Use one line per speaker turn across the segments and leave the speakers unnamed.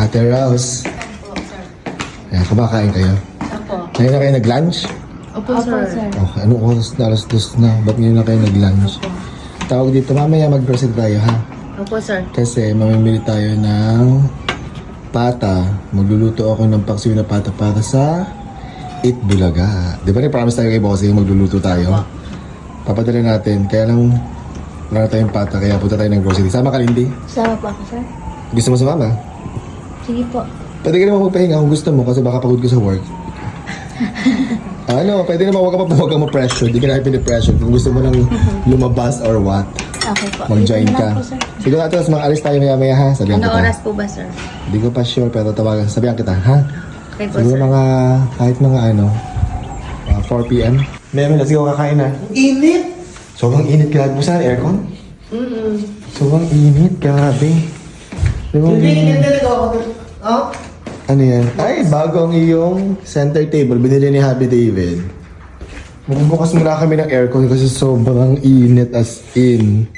Ate Rose.
Opo, sir.
Ayan, kumakain kayo.
Opo.
Ngayon na kayo nag-lunch?
Opo, sir.
Okay, anong oras na? Alas 2 na. Ba't ngayon na kayo nag-lunch?
Opo.
Tawag dito, mamaya mag-grocery tayo ha.
Opo, sir.
Kasi mamimili tayo ng pata. Magluluto ako ng paksiw na pata para sa Eat Bulaga. Di ba promise tayo kay Bossing magluluto tayo? Papadala natin. Kaya lang wala na tayong pata kaya punta tayo ng grocery. Sama ka, Lindy?
Sama po ako, sir.
Gusto mo sumama?
Sige po.
Pwede ka naman magpahinga kung gusto mo kasi baka pagod ka sa work. Ano, pwede naman huwag kang ma-pressure. Di ka na pinipressure kung gusto mo nang lumabas or what.
Okay po.
Mag-join
Dito na
ka.
lang po, sir.
Siguro natin, mas mga alis tayo maya-maya ha. Sabihan
Ano
kita.
oras po ba, sir?
Hindi ko pa sure pero tawagan. Sabihan kita ha.
Okay po,
Siguro
sir.
mga, kahit mga 4 p.m. Meme, let's go kakain na.
Init!
Sobrang init, grabe mo sa aircon? Sobrang init, grabe. Di ba,
Hindi, hindi ako. Oh?
ano yan? Ay, bago ang iyong center table. Binili ni Happy David. Magbubukas muna kami ng aircon kasi sobrang init as in.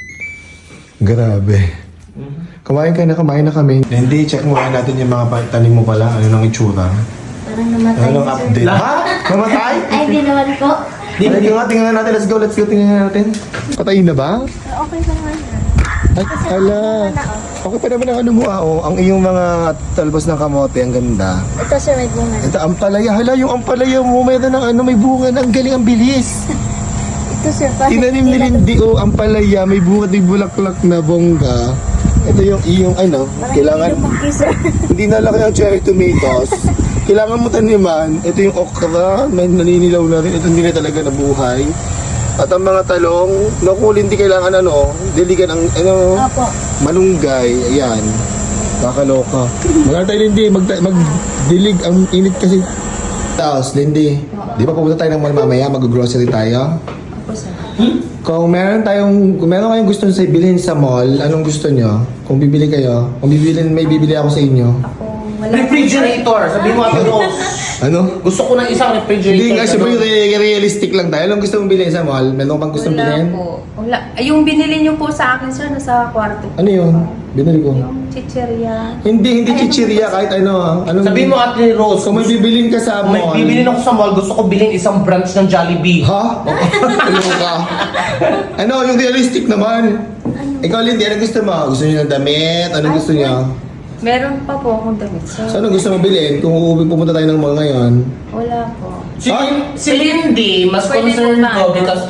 Grabe. Kumain na kami. Hindi, check muna natin yung mga tanim mo pala. Ano nang itsura?
Parang namatay,
Ano nang
sir.
update? Ha? Namatay?
Ay, di naman po.
Ay, tingnan natin. Let's go. Tingnan natin. Patayin na ba?
Okay pa naman, sir.
Ay, ala. Okay pa naman ang ano mo, ang iyong mga talbos ng kamote, ang ganda.
Ito, sir, may bunga.
Ito, ampalaya. Hala, yung ampalaya mo, mayroon ng may bunga. Ang galing, ang bilis.
Ito, sir, kasi
Tinanim ni Lindy, ampalaya, may bunga, may bulaklak na bongga. Ito yung iyong, kailangan,
sir.
hindi na laki ang cherry tomatoes. Kailangan mo taniman. Ito yung okra, may naninilaw na rin. Ito hindi na talaga nabuhay. At ang mga talong, naku, hindi kailangan diligan ang,
Opo.
malunggay, ayan. Kakaloka. Maganda tayo, Lindy, magdilig, ang init kasi. Tapos, Lindy, di ba pupunta tayo ng mall mamaya, mag-grocery tayo?
Opo, sir.
Kung meron kayong gusto sa bilhin sa mall, anong gusto nyo? Kung bibili kayo, may bibili ako sa inyo.
Ako, wala.
Refrigerator! Sabi mo, Ate Rose.
Ano?
Gusto ko ng isang refrigerator.
Hindi nga, siyempre realistic lang tayo. Anong gusto mong bilhin sa mall? Meron bang gustong
Wala
bilhin?
po. Wala. Ay, yung binili niyo po sa akin, sir, nasa kwarto.
Ano yun? Binili ko.
Yung chicheria.
Hindi chichiria kahit ano. Anong,
Sabi mo, Ate Rose,
kung may bibilin ka sa
kung may
mall.
bibilin ako sa mall, gusto ko bilhin isang branch ng Jollibee.
Ha? Ano ka? Ano, yung realistic naman. Ikaw, Lindy, ano gusto mo? Gusto niyo ng damit? Anong gusto niyo?
Meron pa po akong damit, sir.
So, anong gusto mo bilhin? Kung pumunta tayo ng mall ngayon?
Wala po.
Si Lindy, mas
Pwede
concerned
po ba?
ko because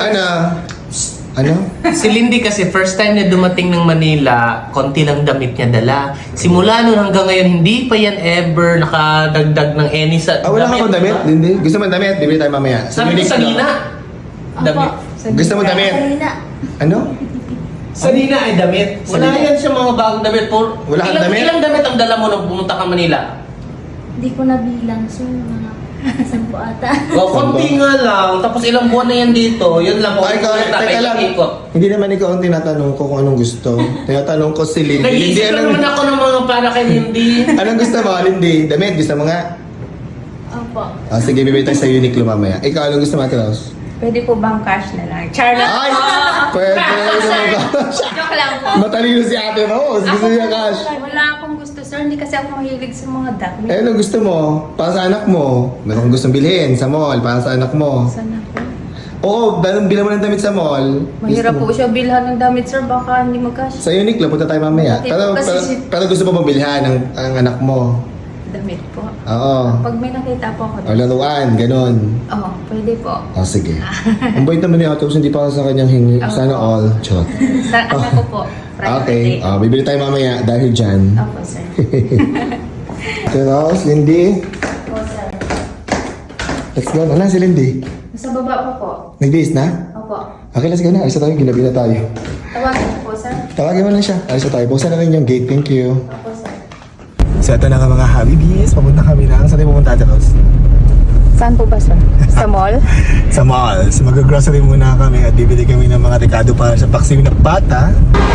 Ano?
si Lindy kasi first time na dumating ng Manila, konti lang damit niya dala. Simula noon hanggang ngayon, hindi pa yan ever nakadagdag ng any sa
Wala ka bang damit, Lindy? Gusto mo ng damit? Bibili tayo mamaya.
Sabi ko sa Nina. Damit.
Gusto mo damit?
Kanina.
Ano?
Sa Nina ay damit.
Sa
Wala
Nina?
yan siya mga bagong damit.
Wala kang damit?
Ilang damit ang dala mo nung pumunta ka Manila?
Hindi ko nabilang, sir. Mga 10 ata.
O, konti nga lang. Tapos ilang buwan na yan dito. Yun lang.
Ay, teka lang.
Ikot.
Hindi naman ikaw ang tinatanong ko kung anong gusto. Tinatanong ko si Lindy. Lindy,
Nag-iisip lang naman ako ng mga para kay Lindy.
anong gusto mo, Lindy? Damit? Gusto mo nga?
Opo.
Sige, bibili tayo sa Uniqlo mamaya. Ikaw, anong gusto mo, Ate Rose?
Pwede po bang cash na lang? Charlotte.
Ay! Pwede naman ba?
Joke lang po.
Matalino si Ate Rose. Gusto niya cash.
Wala akong gusto, sir. Hindi kasi ako mahilig sa mga damit.
Anong gusto mo? Para sa anak mo. Meron kang gustong bilhin sa mall para sa anak mo.
Sana po.
Oo, bilang mo ng damit sa mall.
Mahirap
Gusto mo.
po siya bilhan ng damit, sir. Baka hindi mag-cash.
Sa Uniqlo, punta tayo mamaya.
Hindi
Pero,
po kasi
pero,
si-
pero gusto mo bang bilhan ang anak mo?
Damit po.
Oo.
Pag may nakita po ako.
O laruan, ganun.
Oo, pwede po.
O sige. Ang bait naman ni Ate Rose, hindi para sa kanyang hingi.
Oo.
Sana all. Charot.
Sa anak ko po.
Okay. Bibili tayo mamaya dahil dyan.
Opo, sir.
Ate Rose, Lindy.
Opo, sir.
Let's go. Ano si Lindy?
Nasa baba po po.
Nag-days na?
Opo.
Okay, let's go na. Alis na tayo. Ginabi na tayo.
Tawagin po, sir.
Tawagin mo lang siya. Alis na tayo. Buksan na rin yung gate. Thank you.
Opo, sir.
So ito na nga mga Habibis. Papunta kami na. Saan tayo pupunta, Ate Rose?
Saan po ba, sir? Sa mall?
Sa mall. So mag-grocery muna kami at bibili kami ng mga rekado para sa paksiw na pata.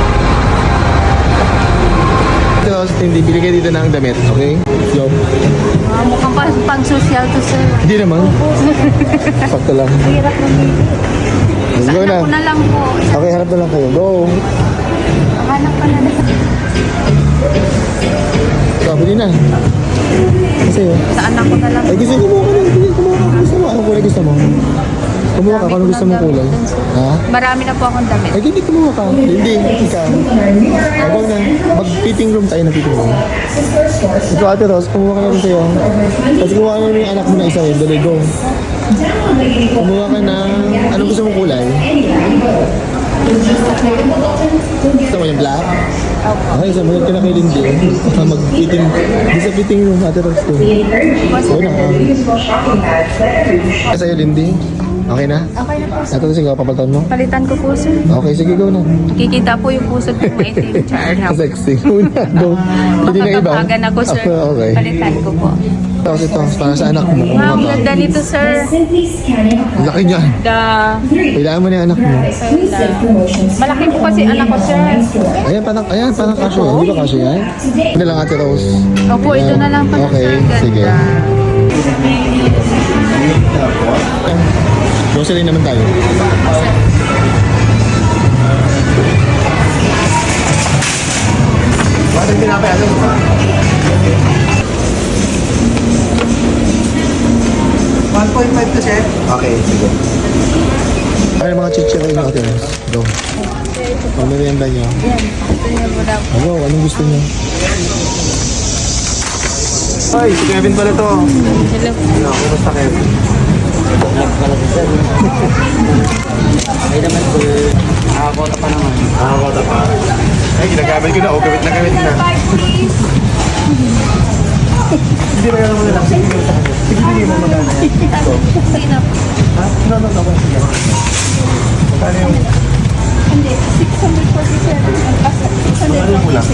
Ate Rose, hindi. Bili kayo dito ng damit. Okay? Yo.
Mukhang pang-social to, sir.
Hindi naman. Sakto lang.
Hirap ng baby.
Let's go na.
Ako na lang po.
Okay, hanap na lang kayo. Go.
Hanap ka na lang.
Sabi Pwede na. Kasi
Sa anak ko na lang.
ay gusto kumuha ka na. Sige, kumuha ka. Gusto mo. Anong kulay gusto mo? Kumuha ka. Kung anong gusto mong kulay? Ha?
Marami na po akong damit.
Ay, hindi kumuha ka. Hindi. Ikaw. Ako na. Mag-fitting room tayo na fitting room. Ikaw, Ate Rose, kumuha ka na rin sa'yo. Kasi kumuha ka na rin yung anak mo na isa yun. Dali, go. Kumuha ka na. Anong gusto mong kulay? Gusto mo yung black? Okay, samunod ka na kay Lindy. Mag-fitting. Di sa fitting room, Ate Rose. Go. Oo na. Sa'yo, Lindy? Okay na?
Okay na po.
Ate Rose, ikaw, papalitan mo?
Palitan ko po, sir.
Okay, sige, go na.
Kikita po yung puso ko maitim. Char na po.
Sexy. Una, go. Hindi na iba.
Makakapagan ako, sir.
Okay.
Palitan ko po.
Tapos ito, para sa anak mo.
Wow, ang ganda nito, sir.
Laki niyan. Kailangan mo na yung anak mo.
Malaki po kasi anak ko, sir.
Ayan, parang kasyo yan. Hindi ba kasyo yan? Ito lang, Ate Rose.
Opo, ito na lang pala,
Okay,
sir. Ganda.
sige. Grocery naman tayo. Bakit pinapay ano?
1.5 to chef.
Okay, sige. Ay, mga chichirin nyo, Ate Rose. Go. Ang merienda nyo.
Yan. Ito niya po daw.
Ano, anong gusto nyo? Ay, si Kevin pala to.
Hello.
Ano, kumusta Kevin?
Ay naman po, nakakota pa naman.
Nakakota pa. Ay, ginagamit ko na. O, gamit na gamit na. Hindi ba yan mo na lang? Sige, hindi mo magana. Ito. Ha? No. Sige. Magkano yung...
Hindi, 647.
Ano yung kulang?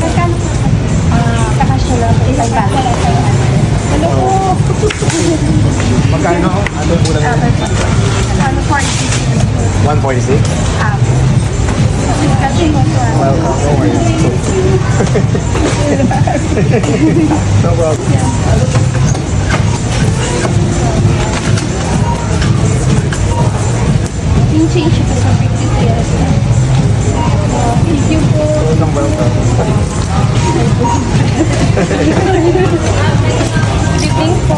Kakasya lang po. Isang bag. Hello po.
Magkano? Ano yung kulang?
Ano po?
146?
Kasi po, sir.
Welcome. No worries. No problem.
Yung change po sa 50 years. Thank you po.
Welcome, welcome.
Good evening po.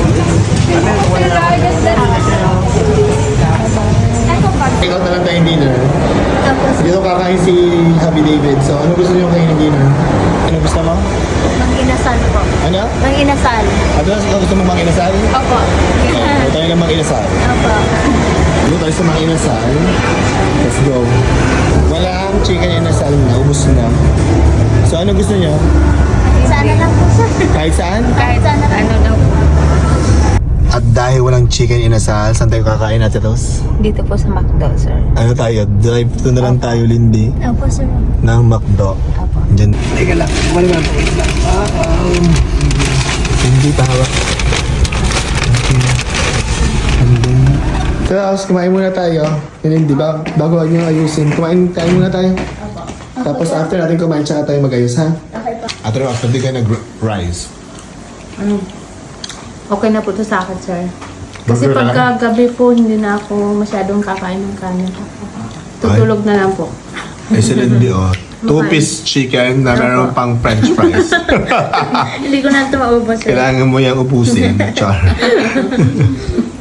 Ito pa.
Ikaw na lang tayong dinner. Dito kakain si Happy David. So, ano gusto niyo kainin dinner? Ano gusto mo?
Mang-inasal po.
Ano?
Mang-inasal.
At ano gusto mo manginasal?
Opo.
Ito tayo na manginasal.
Opo.
Dito tayo sa manginasal. Let's go. Walang chicken inasal na. Ubus na. So, ano gusto niyo?
Sana lang po, sir.
Kahit saan?
Kahit sana lang.
Ano daw po?
At dahil walang chicken inasal, saan tayo kakain natin, Ros?
Dito po sa McDo, sir.
Ano tayo? Drive-thru na lang tayo, Lindy.
Opo, sir.
Ng McDo.
Apo.
Diyan.
Teka lang, wala ba ito?
Hindi pa hawak. Okay. And then... So, Ros, kumain muna tayo. Lindy, bago nyo ayusin. Kumain muna tayo. Tapos after natin kumain, tsaka tayo mag-ayos, ha?
Okay po.
At Ros, pwede ka nag-rise.
Okay na po to sa akin, sir. Kasi
Burger na lang?
pagkagabi po, hindi na ako masyadong kakain ng kanin. Tutulog na lang po.
Ay, si Lindy, oh. Two-piece chicken na meron pang french fries.
Hindi ko na ito maubos, sir.
Kailangan mo yung ubusin. Char.